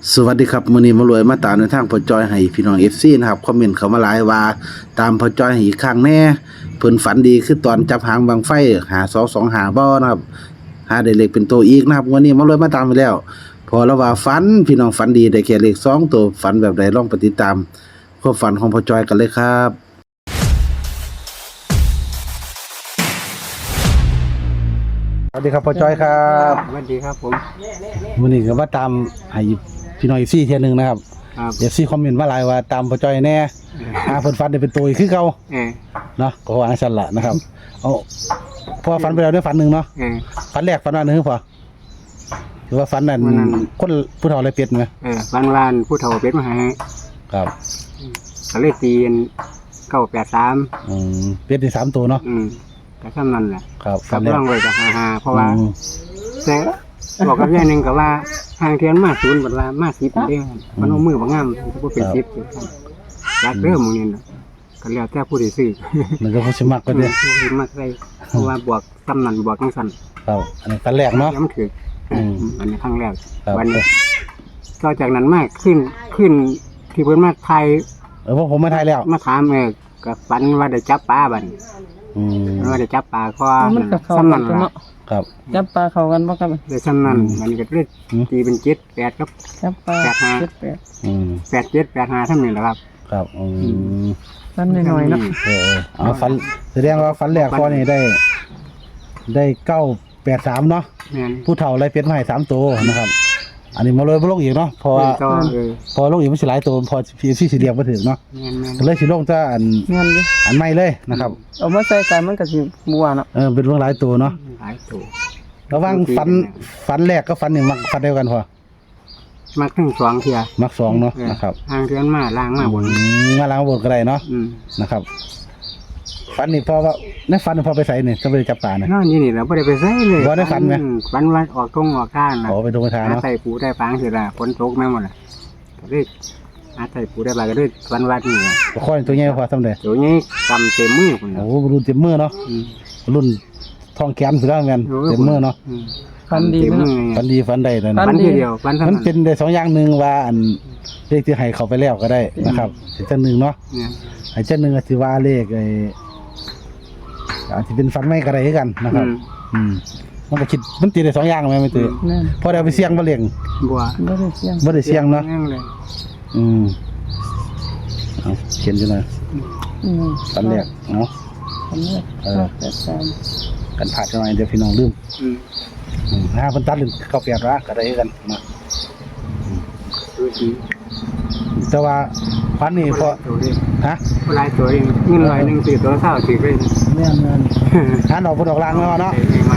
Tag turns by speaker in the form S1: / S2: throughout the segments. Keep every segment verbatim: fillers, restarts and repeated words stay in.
S1: สวัสดีครับมื้อนี้มารวยมาตามในทางพ่อจอยให้พี่น้อง เอฟ ซี นะครับคอมเมนต์เข้ามาหลายว่าตามพ่อจอยให้อีกครั้งแน่เพิ่นฝันดีคือตอนจับหางบังไฟหาสอง สองหาบ่นะครับหาได้เลขเป็นตัวอีกนะครับวันนี้มารวยมาตามไปแล้วพอแล้วว่าฝันพี่น้องฝันดีได้แค่เลขสองตัวฝันแบบใดลองไปติดตามความฝันของพ่อจอยกันเลยครับสวัสดีครับพ่อจอยครับ
S2: สวัสดีครับผม
S1: มื้อนี้ก็มาตามให้พี่น้อง เอฟ ซี เที่ยนึงนะครับ
S2: ครับ
S1: เอฟ ซี คอมเมนต์มาหลายว่าตามพ่อจอยแน่หาเพิ่นฝันได้เป็นตัวอีกคือเก่า
S2: เออ
S1: เนาะก็ว่าซั่นล่ะนะครับเอาพอฝันไปแล้วได้ฝันหนึงเนาะ
S2: เออ
S1: ฝันแรกฝันว่านึงพอหรือว่าฝันนั่นคนผู้เฒ่าเลยเป็ดมั้ย
S2: เออวันวานผู้เฒ่าเป็ดมาให้
S1: ครับ
S2: ก็เลยตีนเก้าแปดสาม
S1: อืมเป็ดได้สามตัวเนาะ
S2: อืมก็ซ้ำนั่นแหละ
S1: ครับ
S2: กับร่องไว้กับหาๆเพราะว่าแต่บอกกับยายนึงก็ว่าทางเทียนมาศูนย์บัดว่ามาสิบเด้อมันเอามือบ่งามสิบ่เป็นสิบรักเด้อหมู่นี้น่ะก็แล้วแต่ผู้ที่ซื้อ
S1: มันก็บ่สิมักก็เด้อ
S2: ผู้ที่มักได้เพราะว่าบวกซ้ำนั่นบวกจังซั่น
S1: ครับอันนี้ฝันแรกเนาะ
S2: ย้ำถึกอืมอันนี้ครั้งแรก
S1: วัน
S2: นี้ก็จากนั้นมากขึ้นขึ้นที่เพิ่นมาไทย
S1: เออพวกผมมาไทยแล้ว
S2: มาถามเออก็ฝันว่าได้จับปลาบัด
S1: อืม
S2: ว่าได้จับปลาคอ
S3: ซ้ำนั่นล่ะ
S1: ครับ
S3: จับปลาเข้ากันบ่ครับ
S2: ได้ซ้ำนั่นมันก็เลยตีเป็นเจ็ด แปดครับ
S3: จับปลา
S2: แปด ห้า
S3: เจ็ด แปด
S1: อืม
S2: แปด เจ็ด แปด ห้าเท่านี้แหละครับ
S1: ครับอืม
S3: ฝันน้อยๆเนาะ
S1: เออๆเอาฝันแสดงว่าฝันแรกพอนี่ได้ได้เก้าแปดสามเนาะผู้เฒ่าไล่เป็ดมาให้สามตัวนะครับอันนี้มาเลยบ่ลงอีกเนาะเพราะว่าพอลงอีกมันสิหลายตัวพอพี่สิสิเรียกบ่ถึงเนาะก็เลยสิลงแต่อัน
S3: แม่นอยู่
S1: อันใหม่เลยนะครับ
S3: เอามาใส่กันมันก็สิบัวเนาะ
S1: เออเป็นเรื่องหลายตัวเนาะ
S2: หลายตัว
S1: ระวังฝันฝันแรกก็ฝันนี่มักฝันเดียวกันพอ
S2: มักทั้งสองเที่ย
S1: มักสองเนาะนะครับ
S2: ทางเดือนมาล้างมาบน
S1: มาล้างบนก็ได้เนาะนะครับฝันนี่พอว่าในฝันพอไปใส่นี่ก็ไปจับปลาเนี่ย
S2: นอนอยู่นี่เราไม่ได้ไปใส่เลย
S1: บ่ได้ฝันไหม
S2: ฝันว่าออกตรงออกข้างนะ
S1: โอ้ไปตรงไปทางเนาะ
S2: ใส่ปูได้ปางเสร็จละฝนตกแม่หมดเลยก็เลยอาใส่ปูได้ปลาก็เลยฝันว่านี่
S1: ก็ค่อยตัวใหญ่พอสำเร็จ
S2: ตัวนี้กำเต็มมือคน
S1: โอ้รุ่นเต็มมือเนาะรุ่นทองแขนสุดแล้วแม่นเต็มมือเนาะ
S3: ฝันดีนะ
S1: ฝันดีฝันได้เลย
S2: ฝันทีเดียวฝัน
S1: มันเป็นได้สองอย่างหนึ่งว่าอันเลขที่ให้เขาไปแล้วก็ได้นะครับอีกเจ้าหนึ่งเนาะอีกเจ้าหนึ่งก็คือว่าเลขไอ้อาจจะเป็นฝันไม่กระไรกันนะครับอืมมันก็คิดมันตีได้สองอย่างไหมไม่ตีพอเดี๋ยวไปเสี่ยงมาเลี้ยง
S2: บัว
S3: ไม่ได้เสี่ยง
S1: ไม่ได้เสี่ยงเนาะอืมเอาเขียนอยู่หน่อยฝันแรกเนาะ
S3: ฝันแรกเออแปดสาม
S1: กันผ่าดหน่อยเดี๋ยวพี่น้องลืมห้าพันตัดลืมเข้าเปียกละกระไรกันนะแต่ว่าพันนี่พอฮะ
S2: ลายตัวเองเงินลอยหนึ่งสี่ตัวเท่าสี่เป็น
S1: เนี่ยเงินหาดอกพอดอกลางแล้วเนาะ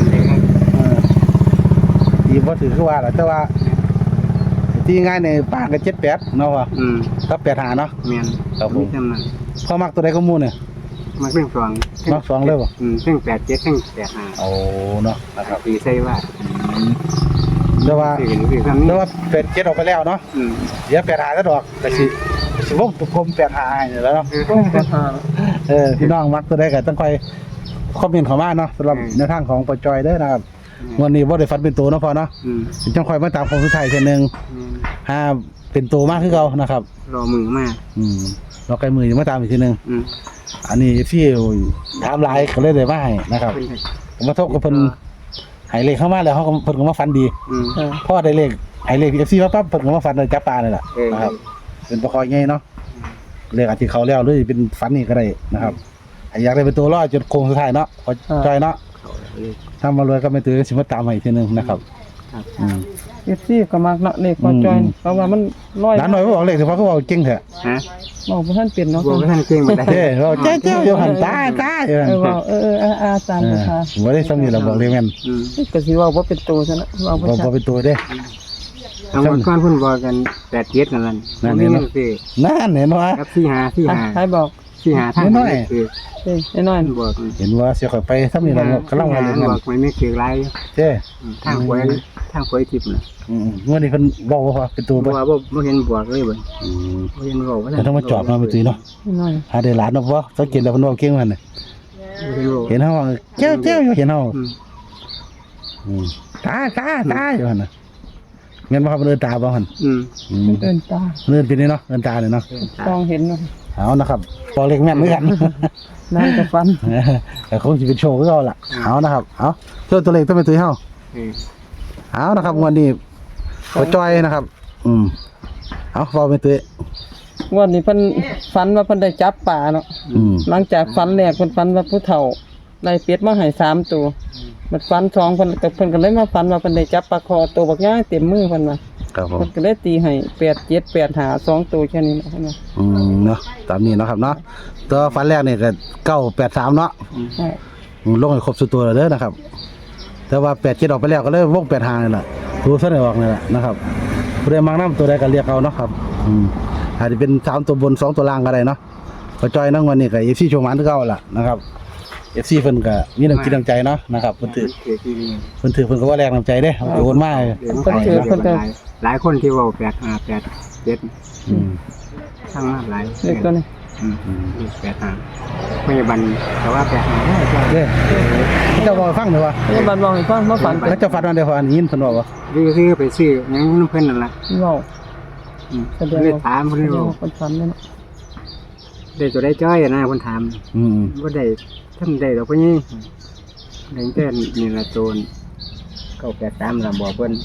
S1: ดีพอถือคือว่าแหละแต่ว่าที่ง่ายในป่าก็เจ็ดแปดเนาะวะก็แปดหาเนาะ
S2: เมียน
S1: ครับผมพอมักตัวใดก็มูเนี่ย
S2: มักเรื่องสอง
S1: มักสองเลยป่ะ
S2: อืมเรื่องแปดเจ็ดเรื่องแปดห้า
S1: โอ้เนาะนะครับ
S2: ตีใช่ว่า
S1: แต่ว่าแต่ว่าแปดเจ็ดออกไปแล้วเนาะเดี๋ยวแปดหาก็ดอกแต่สิสิวงตุกคมแปดหาเนี่ยแล้วเนาะเออพี่น้องมักตัวใดก็ต้องคอยคอมเมนต์เข้ามาเนาะสำหรับในทางของปจอยเด้อนะครับวันนี้ว่าได้ฟันเป็นตัวเนาะพอเนาะจังคอยมาตามของสุดท้ายเช่นหนึ่งห้าเป็นตัวมากขึ้นเขานะครับ
S2: รอมือมาก
S1: อืมรอไกลมือยังมาตามอีกทีหนึ่งอันนี้พี่ถามไลน์เขาเลยได้มาให้นะครับผมมาทบกับเพิ่นหายเลขเข้ามาแล้วเขาเพิ่นก็มาฟันดีพ่อได้เลขหายเลขเอฟซีมาปั๊บเพิ่นก็มาฟันเลยจับปลาเลยล่ะนะครับเป็นประคอยง่ายเนาะเลขอาจจะเขาแล้วหรือเป็นฟันนี่ก็ได้นะครับอยากได้เป็นตัวรอดจนโค้งสุดท้ายเนาะพอใจเนาะถ้ามารวยก็ไม่ตื่นสิมาตามมาอีกทีนึงนะครับ
S3: อืมเอฟซีก็มากเนาะเลขพอจอยเพราะว่ามันร้อย
S1: ร้านหน่อยไม่บอกเลขแต่พอเขาบอกเก่งเถอะ
S2: ฮะ
S3: บอกว่าท่านเปลี่ยนเนาะ
S2: บอกว่าท่านเก่งมาได้
S1: เจ้บอกเจ้าเจ้าอยู่หันตาตาอยู่
S3: หันเออเออเอออาจารย์ค่ะ
S1: ว่าได้สำนีเราบอกเลยแม่น
S3: ก็สิว่าว่าเป็นตัวซะนะว่า
S1: บ่บ่เป็นตัวเด้
S2: ทางวันก่อนเพิ่นบอกกันแปดเจ็ดนั่นนั่นนี่นั่นสิ
S1: นั่นเห็นว่า
S2: ครับสี่ห้าสี่ห้า
S3: ใครบอก
S2: สี่ห้าท่าน
S1: น้อย
S3: เอ้น้อย
S2: บอก
S1: เห็นว่าเสียข่อยไปสำนีเรากำลังว่าเลย
S2: บอกไม่ไม่เกี่ยวไร
S1: เจ้
S2: ทางหวยทางหวยทิพย์น่ะ
S1: อืมเมื่อนี้เพิ่นบอกว่าเป็นตัว
S2: บ่ว่าบ่บ่เห็นบวกเลยบ่อืมบ่เห็นบอกว่า
S1: แต่ต้องมาจอบมาไปตีเนาะ
S3: น้อย
S1: หาได้หลานเนาะบ่สังเกตแล้วเพิ่นบอกเก่งมันน่ะเห็นเฮาเจ้าเจ้าอยู่เห็นเฮาอืมตาตาตาอยู่หั่นน่ะแม่นบ่ครับเอิ้นตาบ่หั่น
S2: อืม
S1: อืม
S3: เอิ้นตา
S1: เอิ้นเป็นนี่เนาะเอิ้นตาเนี่ยเนาะ
S3: ต้องเห็นเนาะ
S1: เอานะครับพอเล็กแม่นเหมือนกัน
S3: นั่นก็ฟัน
S1: แต่คงสิเป็นโชว์คือเอาล่ะเอานะครับเอาเจ้าตัวเล็กต้องเป็นตัวเฮา
S2: เออ
S1: เอานะครับวันนี้ขอจอยนะครับ อืมเอาเว้าเป็นตัว
S3: งวดนี้เพิ่นฝันว่าเพิ่นได้จับป่าเนาะ
S1: อืม
S3: หลังจากฝันแรกเพิ่นฝันว่าผู้เฒ่าได้เป็ดมาให้สามตัวมันฝันสองเพิ่นก็เพิ่นก็เลยมาฝันว่าเพิ่นได้จับปลาคอตัวบักย่างเต็มมือเพิ่นว่า
S1: ครับผม
S3: เพิ่นก็เลยตีให้แปด เจ็ด แปดหาสองตัวแค่นี้นะเพิ่นว่า
S1: อืมเนาะตามนี้เนาะครับเนาะตัวฟันแรกนี่ก็เก้าแปดสามเนาะ
S3: ใช่
S1: อืมลงให้ครบสุดตัวแล้วเด้อนะครับ แต่ว่าแปดเจ็ดออกไปแล้วก็เลยวงแปดหางนี่แหละตัวเส้นไหนออกนี่แหละนะครับผู้ใดมักน้ำตัวใดก็เรียกเอาเนาะครับอืมอาจจะเป็นสามตัวบนสองตัวล่างก็ได้เนาะขอจอยนั่งวันนี้กับเอฟซีโชว์มันที่เก่าล่ะนะครับเอฟซีเพิ่นก็มีน้ำจิตน้ำใจเนาะนะครับเพิ่นถือ
S2: เถือที่นี่
S1: เพิ่นถือเพิ่นก็ว่าแรงน้ำใจเด้โอนมา
S2: เดี๋ยวมันเพิ่นหลายหลายคนที่เว้าแปดห้าแปดเจ็ด
S1: อืม
S2: ทั้งมาหลาย
S3: เด็กตัวนี้
S2: อืมเลขแปดห้าพยาบาลแต่ว่าแปดห้าได้ก็
S1: เด้เจ้าบ่ฟังเด้อว่า
S3: พยาบาลบอกให้ฟังมาฝัน
S1: แล้วเจ้าฟันวันเดียวพออันนี้ยินเพิ่นบอกว่า
S2: ซื้อซื้อไปซื้อหยังน้ำเพิ่นนั่นล่ะ
S3: เว้า
S2: อืมเลยถามเพิ่น
S3: เพิ่น
S2: ว่า
S3: เพิ่นฝันนั่นน่ะ
S2: ได้ตัวได้จ้อยอะนะเพิ่นถาม
S1: อืม
S2: บ่ได้ทำได้ดอกเพิ่นนี่ได้แต่นี่ละโจรเก้าแปดสามล่ะบอกเพิ่น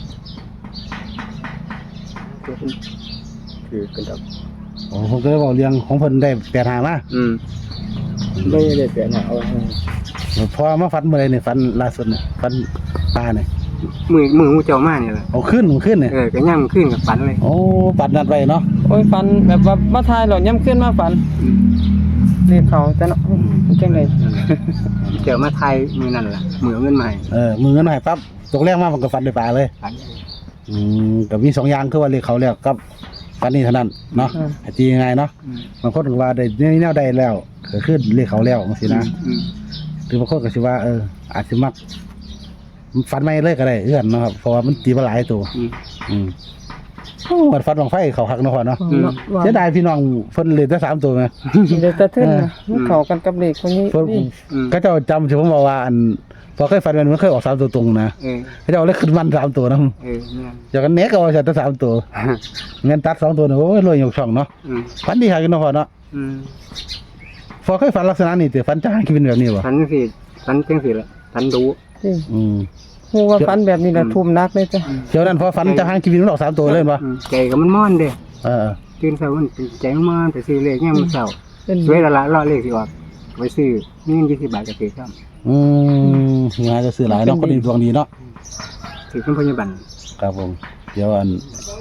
S2: เพิ่นคือกันดอก
S1: โอ้ผมก็เลยบอกเรื่องของเพิ่นได้แปดหามา
S2: อืมได้ได้แปดห้าเอา
S1: พอมาฟันเมื่อไรเนี่ยฟันล่าสุดเนี่ยฟันปลาเนี่ย
S2: มือมือหูเจ้ามานี่ล่ะ
S1: เอาขึ้นมันขึ้นเนี่ย
S2: เออก็ย่ำขึ้นกับฝันเลย
S1: โอ้ปัดนัดไว้เนาะ
S3: โอ้ยฝันแบบว่ามาทายหรอย่ำขึ้นมาฝัน
S2: อืม
S3: เรียกเขาแต่เนาะมันจังได๋
S2: เจ้ามาไทยมือนั่นล่ะมือเอาเงินมาใหม่
S1: เออมือเงินหายปั๊บตกแรกมามันก็ฟันด้วยปลาเลย
S2: ฝัน
S1: อืมกับมีสองอย่างคือว่าเรียกเขาแล้วกับฟันนี่เท่านั้นเนาะไอ้ตียังไงเนาะ
S2: อืม
S1: บางคนก็ว่าได้แนวใดแล้วก็ขึ้นเรียกเขาแล้วจังซี่นะ
S2: อืม
S1: หรือบางคนก็สิว่าเอออาจสิมักฟันไม่เลยก็ได้เอื้อนเนาะครับเพราะว่ามันตีมาหลายตัว
S2: อืม
S1: อืมโอ้มันฟันบังไฟเขาหักเนาะพ่อเนาะ
S2: อืม
S3: ว่า
S1: เสียดายพี่น้องเพิ่นเลยได้สามตัวไหม
S3: เดี๋ยวจะเทินนะมันเข้ากันกับเลขคนนี้
S1: เพิ่น
S3: นี่
S2: อืม
S1: ก็เจ้าจำที่ผมบอกว่าอันพอเคยฟันมันมันเคยออกสามตัวตรงนะ
S2: เออ
S1: เขาเจ้าเลยขึ้นมันสามตัวนะ
S2: เออเนี่ย
S1: จากกันเน็กเอาจากตัวสามตัวเงินตัดสองตัวเนี่ยโอ้ยรวยยกช่องเนาะ
S2: อืม
S1: ฟันดีหากันเนาะพ่อเนาะ
S2: อืม
S1: พอเคยฟันลักษณะนี้แต่ฟันจ้างเป็นแบบนี้บ่
S2: ฝันสิฝันจังสิละฝันดู
S3: นี่
S1: อืม
S3: ฮู้ว่าฝันแบบนี้แหละทุ่มนักเลยจ้ะ
S1: เดี๋ยวนั้นพอฟันจ้างชีวิตมันออกสามตัวเลยบ่
S2: อืมใจก็มันม่อนเด้
S1: เออ
S2: ตื่นเช้ามันเป็นใจมันม่อนไปซื้อเลขเนี่ยมันเช้า
S3: เป็น
S2: สวยและละรอเลขสิออกไปซื้อมีเงินยี่สิบบาทก็ซื้อครับ
S1: อืมงานจะซื้อหลายเนาะคนดีดวงดีเนาะ
S2: ซื้อขึ้นพยาบาล
S1: ครับผมเดี๋ยวอัน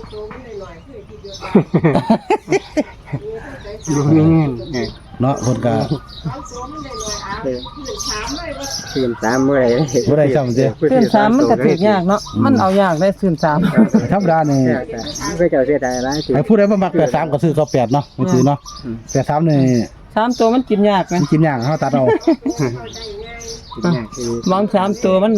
S2: ดูมีเงินเออ
S1: เนาะคนก็
S2: เออซื้อสามเมื่อไหร่
S1: บ่ได้ซ้ำเด้อ
S3: ซื่นสามมันก็ถูกยากเนาะมันเอายากได้ซื่นสาม
S1: ธรรมดานี่
S2: เพื่อเจ้าเสียดายหลายสิ
S1: ไอ้ผู้ใดบ่มักแปดสามก็ซื้อเก้าแปดเนาะไม่ซื้อเนาะ
S2: อืม
S1: แปดสามนี่
S3: สามตัวมันกินยากนะ
S1: มันกินยากเฮาตัดเอา
S2: คิดยากคือ
S3: มองสามตัวมัน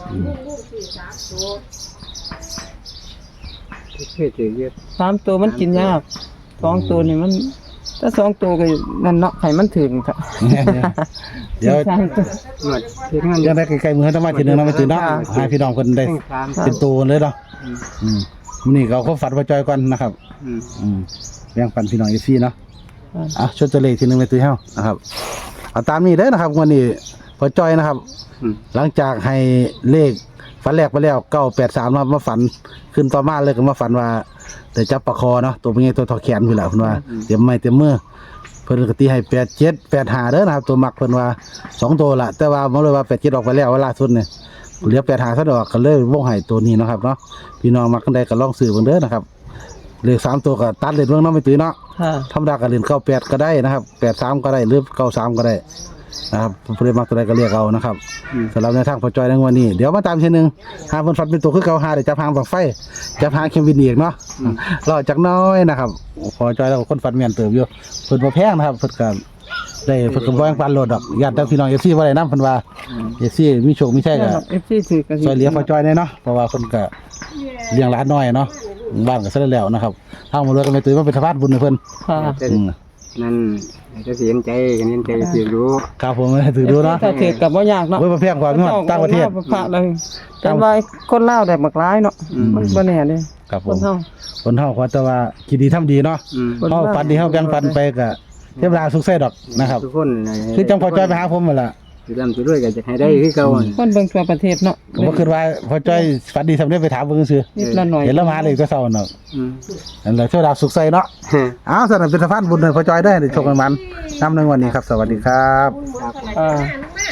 S2: เพื่อจะเยอะ
S3: สามตัวมันกินยากสองตัวนี่มันถ้าสองตัวก็นั่นเนาะให้มันถึงค่ะ
S1: เดี๋ยว
S3: สามตัว
S2: หมดเฮ็ดงาน
S1: ยังได้ใกล้ๆมือธรรมะทีนึงเนาะไม่ตื่นเนาะให้พี่น้องเพิ่นได้
S2: เพ่งสาม
S1: เป็นตัวเลยเนาะ
S2: อืม
S1: อืมมื้อนี้ก็เอาความฝันมาจอยก่อนนะครับ
S2: อืม
S1: อืมแบ่งปันพี่น้องอีซี่เนาะอ่ะชดตัวเลขทีนึงไปตื้อเฮานะครับเอาตามนี้เด้อนะครับวันนี้พอจอยนะครับ
S2: อืม
S1: หลังจากให้เลขฝันแรกไปแล้วเก้าแปดสามนะครับมาฝันขึ้นต่อมาเลยก็มาฝันว่าได้จับปลาคอเนาะตัวเป็นไงตัวทอแขนพี่แหละเพิ่นว่าเตรียมไม้เตรียมมือเพิ่นก็ตีให้แปดเจ็ดแปดห้าเด้อนะครับตัวมักเพิ่นว่าสองตัวละแต่ว่าบ่เลยว่าแปดเจ็ดออกไปแล้วว่าล่าสุดเนี่ยเหลือแปดห้าซะดอกก็เลยวงให้ตัวนี้เนาะครับเนาะพี่น้องมักกันได้ก็ลองซื้อเบิ่งเด้อนะครับเลขสามตัวก็ตัดเลขเบิ่งเนาะไม่ตื้อเนาะ
S3: ค่ะ
S1: ธรรมดาก็เล่นเก้าแปดก็ได้นะครับแปดสามก็ได้หรือเก้าสามก็ได้นะครับผู้ใดมักตัวใดก็เรียกเอานะครับ
S2: อืม
S1: สำหรับในทางพอจอยในวันนี้เดี๋ยวมาตามเช่นหนึ่งหาเพิ่นฟันเป็นตัวคือเก่าหาได้จับหางบังไฟจับหางเคมวินอีกเนาะรอจากน้อยนะครับพอจอยแล้วก็คนฟันแม่นเติบอยู่เพิ่นบ่แพงนะครับเพิ่นก็ได้เพิ่นก็บ่แบ่งปันโลดดอกญาติแต่พี่น้อง เอฟ ซี บ่ได้นำเพิ่นว่า เอฟ ซี มีโชคมีชัยก็
S3: เอฟซีถือกัน
S1: ซอยเหลือพอจอยแน่เนาะเพราะว่าเพิ่นก็เลี้ยงหลานน้อยเนาะบ้านก็ซะแล้วนะครับทางบ่รวยก็ไม่ตื่นมาเป็นสะพานบุญให้เพิ่น
S3: ค่ะ
S2: แต่
S1: อืม
S2: นั่นจะเสียใจกันเห็นใจสิรู้
S1: ครับผมถือดูเนาะ
S3: ถ้าถือกับบ่ยากเนาะ
S1: เว้ยบ่แพงกว่าเงินต่างประเทศ
S3: พระเลยแต่ว่าคนลาวได้บักหลายเนาะมันบ่แน่เด้
S1: ครับผ
S3: คน
S1: ม
S3: เฮา
S1: คนเฮาขอแต่ว่าคิดดีทำดีเนาะ
S2: อืม
S3: คน
S1: เฮาฝันดีเฮาแบ่งปันไปก็เทวดาสุขใส่ดอกนะครับ
S2: ทุกคน
S1: คือจังพอจ้อยไปหาผมนั่นล่ะ
S2: สิร่ำสิรวยก็จะให้ได้คือเก่า
S3: คนเบิ่งทั่วประเทศเนาะ
S1: ผมก็คิดว่าพอจ้อยฝันดีทำได้ไปถามเบิ่งซื่อ
S3: นิดละหน่อย
S1: เห็นแล้วมาเลยก็เศร้าเนาะ
S2: อืม
S1: นั่นแหละเทวดาสุขใส่เนาะอ้าวสำหรับเป็นสะพานบุญให้พอจ้อยได้ในโชคกันมันนำในวันนี้ครับ สวัสดีครับ
S3: อ่า
S4: มา